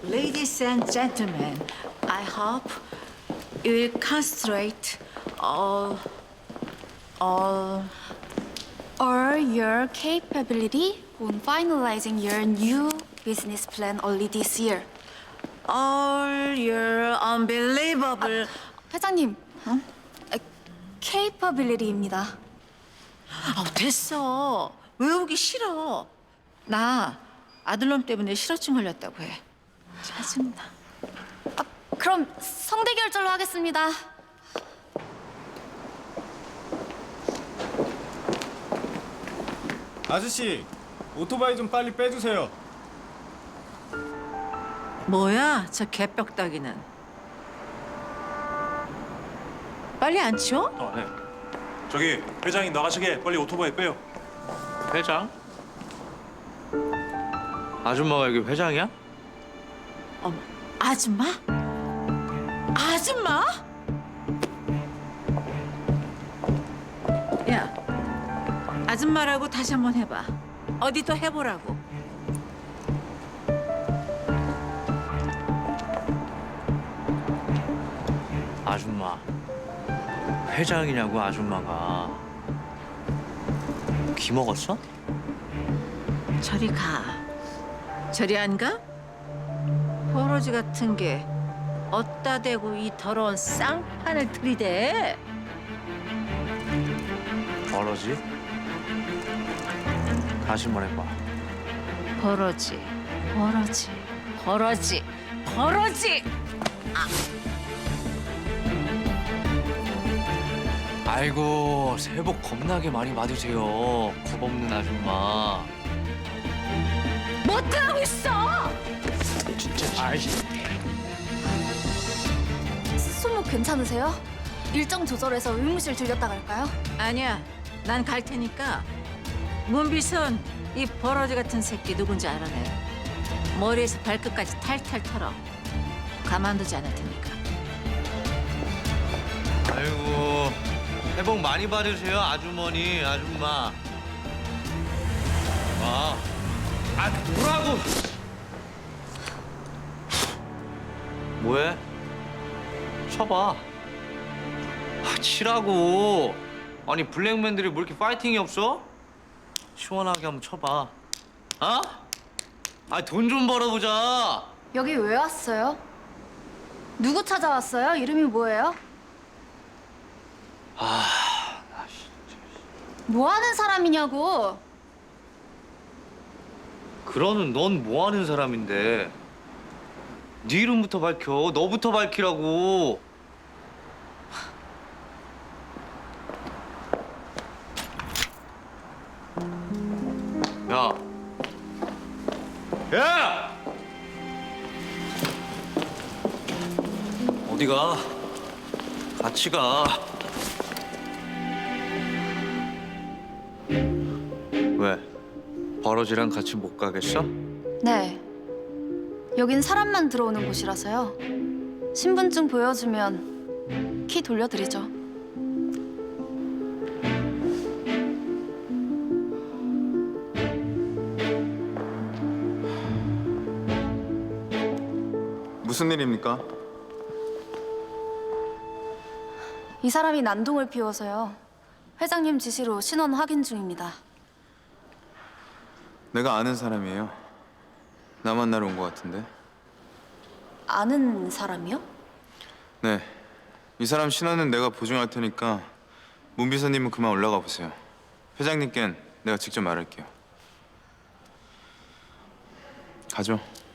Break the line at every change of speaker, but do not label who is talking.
Ladies and gentlemen, I hope you will concentrate all
Or your capability on finalizing your new business plan early this year.
your unbelievable.
회장님, capability입니다.
됐어. 외우기 싫어. 나 아들놈 때문에 실어증 걸렸다고 해. 짜증나.
그럼 성대 결절로 하겠습니다.
아저씨, 오토바이 좀 빨리 빼주세요.
뭐야, 저 개벽다기는. 빨리 안 치워?
네. 저기 회장이 나가시게 빨리 오토바이 빼요.
회장? 아줌마가 여기 회장이야?
어머, 아줌마? 아줌마? 야, 아줌마라고 다시 한번 해봐. 어디 또 해보라고.
아줌마. 회장이냐고 아줌마가. 귀 먹었어?
저리 가. 저리 안 가? 버러지 같은 게 어디다 대고 이 더러운 쌍판을 들이대?
버러지? 다시 말해봐.
버러지, 버러지, 버러지, 버러지!
아이고, 새해 복 겁나게 많이 받으세요. 겁없는 아줌마.
못하고 있어!
진짜. 아이씨.
손목 괜찮으세요? 일정 조절해서 의무실 들렸다 갈까요?
아니야, 난 갈 테니까 문비선 이 버러지 같은 새끼 누군지 알아내. 머리에서 발끝까지 탈탈 털어. 가만두지 않을 테니까.
아이고, 새해 복 많이 받으세요, 아주머니, 아줌마. 뭐라고? 뭐해? 쳐봐. 치라고. 아니, 블랙맨들이 뭐 이렇게 파이팅이 없어? 시원하게 한번 쳐봐. 어? 돈 좀 벌어보자.
여기 왜 왔어요? 누구 찾아왔어요? 이름이 뭐예요? 뭐 하는 사람이냐고.
그러는 넌 뭐 하는 사람인데? 네 이름부터 밝혀. 너부터 밝히라고. 야. 야! 어디 가? 같이 가. 왜? 버러지랑 같이 못 가겠어?
네. 여긴 사람만 들어오는 곳이라서요. 신분증 보여주면 키 돌려드리죠.
무슨 일입니까?
이 사람이 난동을 피워서요. 회장님 지시로 신원 확인 중입니다.
내가 아는 사람이에요. 나 만나러 온 것 같은데.
아는 사람이요?
네. 이 사람 신원은 내가 보증할 테니까 문 비서님은 그만 올라가 보세요. 회장님께는 내가 직접 말할게요. 가죠.